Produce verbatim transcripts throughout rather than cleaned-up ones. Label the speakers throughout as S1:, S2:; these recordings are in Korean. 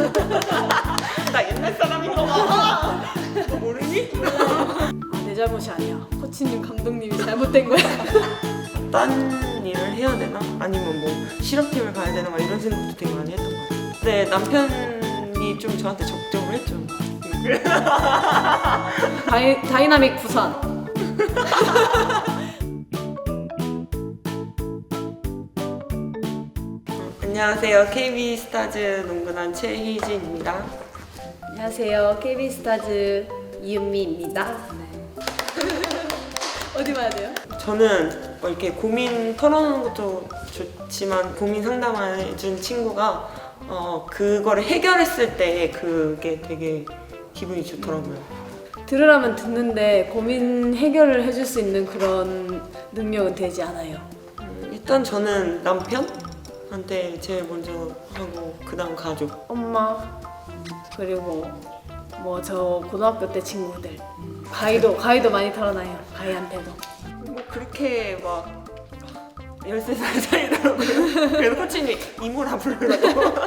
S1: 나 옛날 사람인가 봐. 너 모르니?
S2: 아, 내 잘못이 아니야. 코치님 감독님이 잘못된 거야.
S1: 딴 일을 해야 되나? 아니면 뭐 실업팀을 가야 되나? 막 이런 생각도 되게 많이 했던 것 같아요. 근데 남편이 좀 저한테 적정을 했죠.
S2: 다이, 다이나믹 부산.
S1: 안녕하세요. 케이비 스타즈 농구단 최희진입니다.
S2: 안녕하세요. 케이비 스타즈 이은미입니다. 어디 봐야 돼요?
S1: 저는 뭐 이렇게 고민 털어놓는 것도 좋지만 고민 상담해준 친구가 어, 그거를 해결했을 때 그게 되게 기분이 좋더라고요.
S2: 들으라면 듣는데 고민 해결을 해줄 수 있는 그런 능력은 되지 않아요.
S1: 음, 일단 저는 남편한테 제일 먼저 하고 그 다음 가족.
S2: 엄마 그리고 뭐 저 고등학교 때 친구들 가이도 가이도 많이 털어놔요. 가이한테도.
S1: 뭐 그렇게 막 열세 살 차이더라고요. 그래서 코치님이 이모라 부르라고.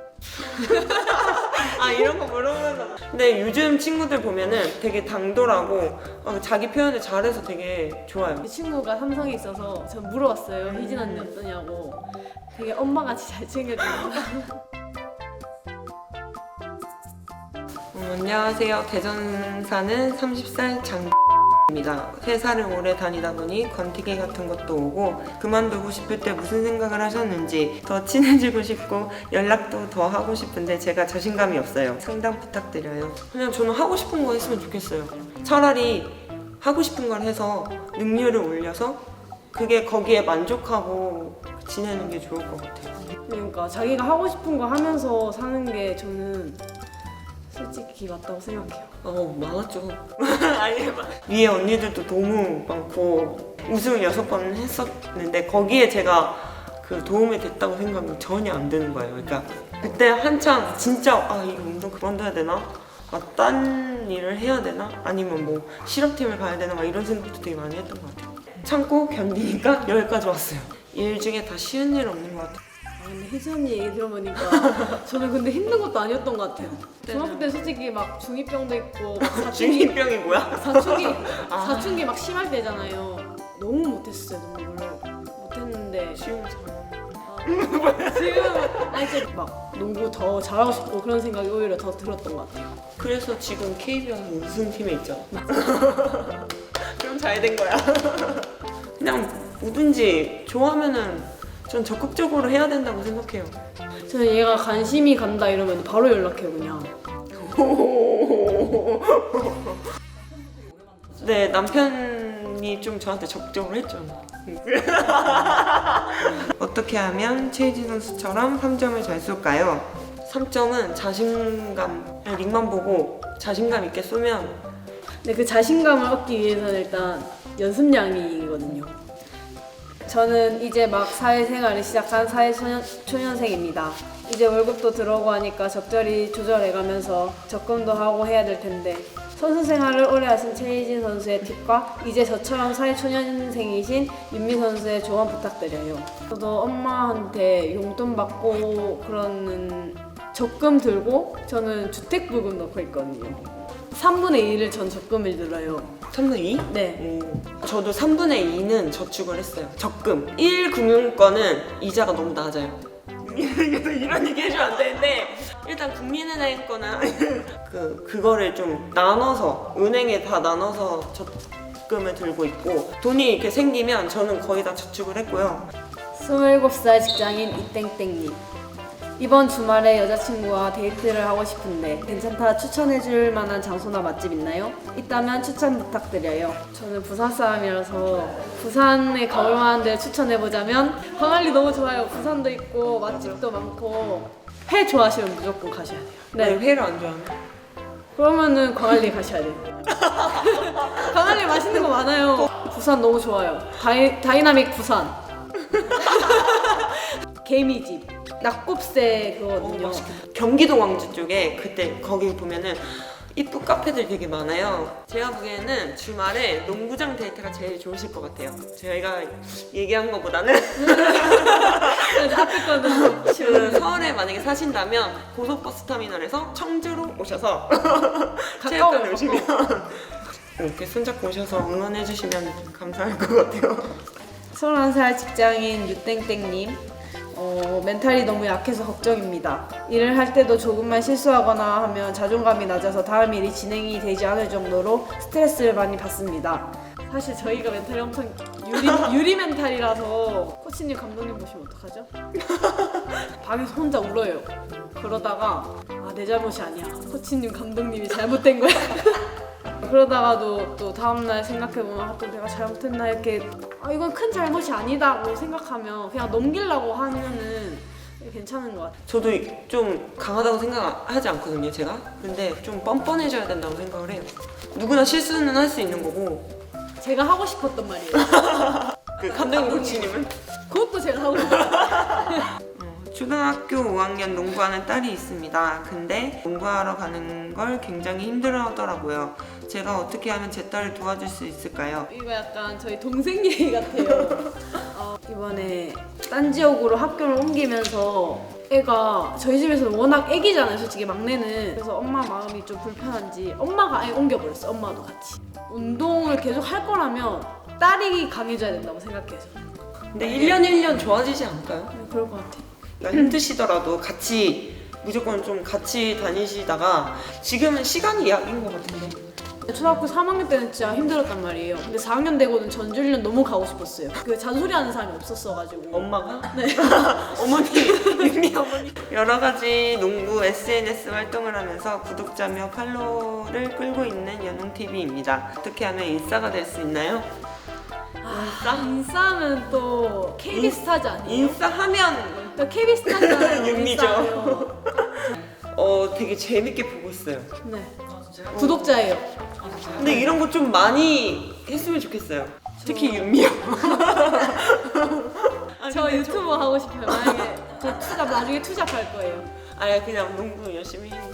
S1: 아 이런 거 물어보는 거. 근데 요즘 친구들 보면은 되게 당돌하고 어, 자기 표현을 잘해서 되게 좋아요.
S2: 제 친구가 삼성에 있어서 전 물어봤어요. 희진 언니 어떠냐고. 되게 엄마같이 잘 챙겨줘요.
S1: 음, 안녕하세요. 대전 사는 서른 살 장입니다. 회사를 오래 다니다 보니 권태기 같은 것도 오고 그만두고 싶을 때 무슨 생각을 하셨는지 더 친해지고 싶고 연락도 더 하고 싶은데 제가 자신감이 없어요. 상담 부탁드려요. 그냥 저는 하고 싶은 거 했으면 좋겠어요. 차라리 하고 싶은 걸 해서 능률을 올려서 그게 거기에 만족하고 지내는 게 좋을 것 같아요.
S2: 그러니까 자기가 하고 싶은 거 하면서 사는 게 저는 솔직히 맞다고 생각해요.
S1: 어 많았죠. 아니 위에 언니들도 너무 많고 우승을 여섯 번 했었는데 거기에 제가 그 도움이 됐다고 생각이 전혀 안 드는 거예요. 그러니까 그때 한창 진짜 아 이거 운동 그만둬야 되나? 아, 딴 일을 해야 되나? 아니면 뭐 실업팀을 가야 되나? 막 이런 생각도 되게 많이 했던 것 같아요. 참고 견디니까 여기까지 왔어요. 일 중에 다 쉬운 일 없는 것 같아요.
S2: 아, 근데 혜지 언니 얘기 들어보니까 저는 근데 힘든 것도 아니었던 것 같아요. 중학교 때 솔직히 막 중이병도 있고 막 사춘기,
S1: 중이병이 뭐야?
S2: 사춘기,
S1: 아.
S2: 사춘기 막 심할 때잖아요. 너무 못했어요, 농구를. 못했는데
S1: 쉬운 잘.
S2: 아, 지금 아니 이제 막 농구 더 잘하고 싶고 그런 생각이 오히려 더 들었던 것 같아요.
S1: 그래서 지금 케이비알 우승팀에 있잖아. 그럼 잘 된 거야. 그냥 뭐든지 좋아하면은 전 적극적으로 해야 된다고 생각해요.
S2: 저는 얘가 관심이 간다 이러면 바로 연락해요, 그냥.
S1: 네, 남편이 좀 저한테 적극적으로 했죠. 어떻게 하면 최희진 선수처럼 삼 점을 잘 쏠까요? 삼 점은 자신감, 그냥 링만 보고 자신감 있게 쏘면
S2: 근데 그 자신감을 얻기 위해서는 일단 연습량이거든요. 저는 이제 막 사회생활을 시작한 사회초년, 초년생입니다. 이제 월급도 들어오고 하니까 적절히 조절해가면서 적금도 하고 해야 될 텐데 선수 생활을 오래 하신 최희진 선수의 팁과 이제 저처럼 사회초년생이신 윤미 선수의 조언 부탁드려요. 저도 엄마한테 용돈 받고 그러는 적금 들고 저는 주택부금 넣고 있거든요. 삼분의 이를 전 적금을 들어요.
S1: 삼분의 이?
S2: 네.
S1: 오. 저도 삼분의 이는 저축을 했어요. 적금. 일 금융권은 이자가 너무 낮아요. 이런 얘기 해주면 안 되는데 일단 국민은행 거는 그, 그거를 좀 나눠서 은행에 다 나눠서 적금을 들고 있고 돈이 이렇게 생기면 저는 거의 다 저축을 했고요.
S2: 스물일곱 살 직장인 이땡땡님. 이번 주말에 여자친구와 데이트를 하고 싶은데 괜찮다 추천해줄 만한 장소나 맛집 있나요? 있다면 추천 부탁드려요. 저는 부산 사람이라서 부산에 가볼 만한 데를 추천해보자면 광안리 너무 좋아요. 부산도 있고 맛집도 많고 회 좋아하시면 무조건 가셔야 돼요.
S1: 네,
S2: 네.
S1: 회를 안 좋아하네.
S2: 그러면은 광안리 가셔야 돼요. 광안리 맛있는 거 많아요. 부산 너무 좋아요. 다이, 다이나믹 부산. 개미집. 낙곱새 그거거든요.
S1: 어, 경기도 광주 쪽에 그때 거기 보면은 이쁜 카페들 되게 많아요. 제가 보기에는 주말에 농구장 데이트가 제일 좋으실 것 같아요. 저희가 얘기한 것보다는
S2: 앞에 거는
S1: 그 서울에 서울에 만약에 사신다면 고속버스 터미널에서 청주로 오셔서
S2: 가까워요,
S1: 체육관에 오시면 이렇게 손잡고 오셔서 응원해주시면 감사할 것 같아요.
S2: 서른한 살 직장인 유땡땡님, 어, 멘탈이 너무 약해서 걱정입니다. 일을 할 때도 조금만 실수하거나 하면 자존감이 낮아서 다음 일이 진행이 되지 않을 정도로 스트레스를 많이 받습니다. 사실 저희가 멘탈이 엄청 유리, 유리 멘탈이라서 코치님 감독님 보시면 어떡하죠? 방에서 혼자 울어요. 그러다가 아, 내 잘못이 아니야. 코치님 감독님이 잘못된 거야. 그러다가도 또 다음날 생각해보면 아, 또 내가 잘못했나 이렇게 아, 이건 큰 잘못이 아니다고 생각하면 그냥 넘기려고 하면은 괜찮은 것 같아요.
S1: 저도 좀 강하다고 생각하지 않거든요, 제가. 근데 좀 뻔뻔해져야 된다고 생각을 해요. 누구나 실수는 할 수 있는 거고.
S2: 제가 하고 싶었던 말이에요.
S1: 그 감독님 코치님은?
S2: 그것도 제가 하고 싶어요.
S1: 초등학교 오 학년 농구하는 딸이 있습니다. 근데 농구하러 가는 걸 굉장히 힘들어하더라고요. 제가 어떻게 하면 제 딸을 도와줄 수 있을까요?
S2: 이거 약간 저희 동생 얘기 같아요. 어, 이번에 딴 지역으로 학교를 옮기면서 애가 저희 집에서는 워낙 애기잖아요, 솔직히 막내는. 그래서 엄마 마음이 좀 불편한지 엄마가 아예 옮겨버렸어, 엄마도 같이. 운동을 계속 할 거라면 딸이 강해져야 된다고 생각해요, 저는.
S1: 근데 일 년 일 년 좋아지지 않을까요?
S2: 네, 그럴 것 같아요.
S1: 그러니까 힘드시더라도 같이 무조건 좀 같이 다니시다가 지금은 시간이 약인 것 같은데.
S2: 초등학교 삼 학년 때는 진짜 힘들었단 말이에요. 근데 사 학년 되고는 전주훈련 너무 가고 싶었어요. 그 잔소리하는 사람이 없었어가지고.
S1: 엄마가?
S2: 네.
S1: 어머니, 윤미 어머니. 여러 가지 농구 에스엔에스 활동을 하면서 구독자며 팔로우를 끌고 있는 연웅티비입니다. 어떻게 하면 일사가 될 수 있나요?
S2: 아, 인싸면 또 케이비스타즈 아니에요?
S1: 인싸하면
S2: 또 케이비스타즈잖아요.
S1: 윤미죠.
S2: 인싸예요.
S1: 어 되게 재밌게 보고 있어요.
S2: 네. 구독자예요.
S1: 근데 이런 거 좀 많이 했으면 좋겠어요. 특히 윤미요.
S2: 저 유튜버 하고 싶어요. 만약에 저 투잡 나중에 투잡할 거예요.
S1: 아예 그냥 농구 열심히 해.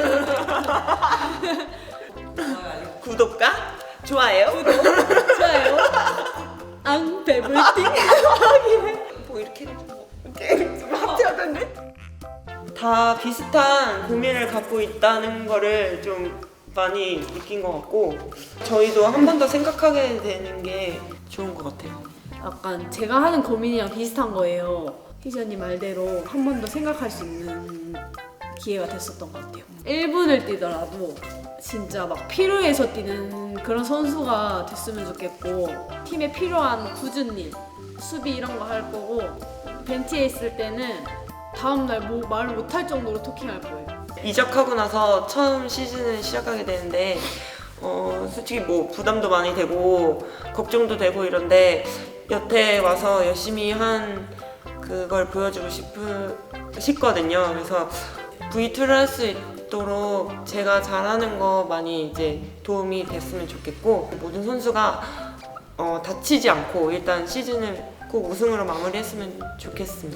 S1: 구독과 좋아요.
S2: 좋아요. 앙 배불띵.
S1: 뭐 이렇게 이렇게 좀 하트하던데? 다 비슷한 고민을 갖고 있다는 거를 좀 많이 느낀 것 같고 저희도 한 번 더 생각하게 되는 게 좋은 것 같아요.
S2: 약간 제가 하는 고민이랑 비슷한 거예요. 희지 언니 말대로 한 번 더 생각할 수 있는 기회가 됐었던 것 같아요. 일 분을 뛰더라도 진짜 막 필요해서 뛰는 그런 선수가 됐으면 좋겠고 팀에 필요한 굳은 일, 수비 이런 거 할 거고 벤치에 있을 때는 다음날 뭐 말을 못할 정도로 토킹할 거예요.
S1: 이적하고 나서 처음 시즌을 시작하게 되는데 어, 솔직히 뭐 부담도 많이 되고 걱정도 되고 이런데 여태 와서 열심히 한 그걸 보여주고 싶으, 싶거든요. 그래서 브이투를 할 수 있도록 제가 잘하는 거 많이 이제 도움이 됐으면 좋겠고 모든 선수가 어, 다치지 않고 일단 시즌을 꼭 우승으로 마무리했으면 좋겠습니다.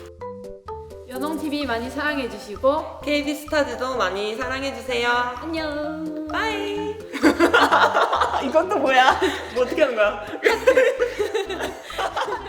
S2: 연홍티비 많이 사랑해주시고
S1: 케이비스타즈도 많이 사랑해주세요.
S2: 안녕.
S1: 빠이. 이건 또 뭐야? 뭐 어떻게 하는 거야?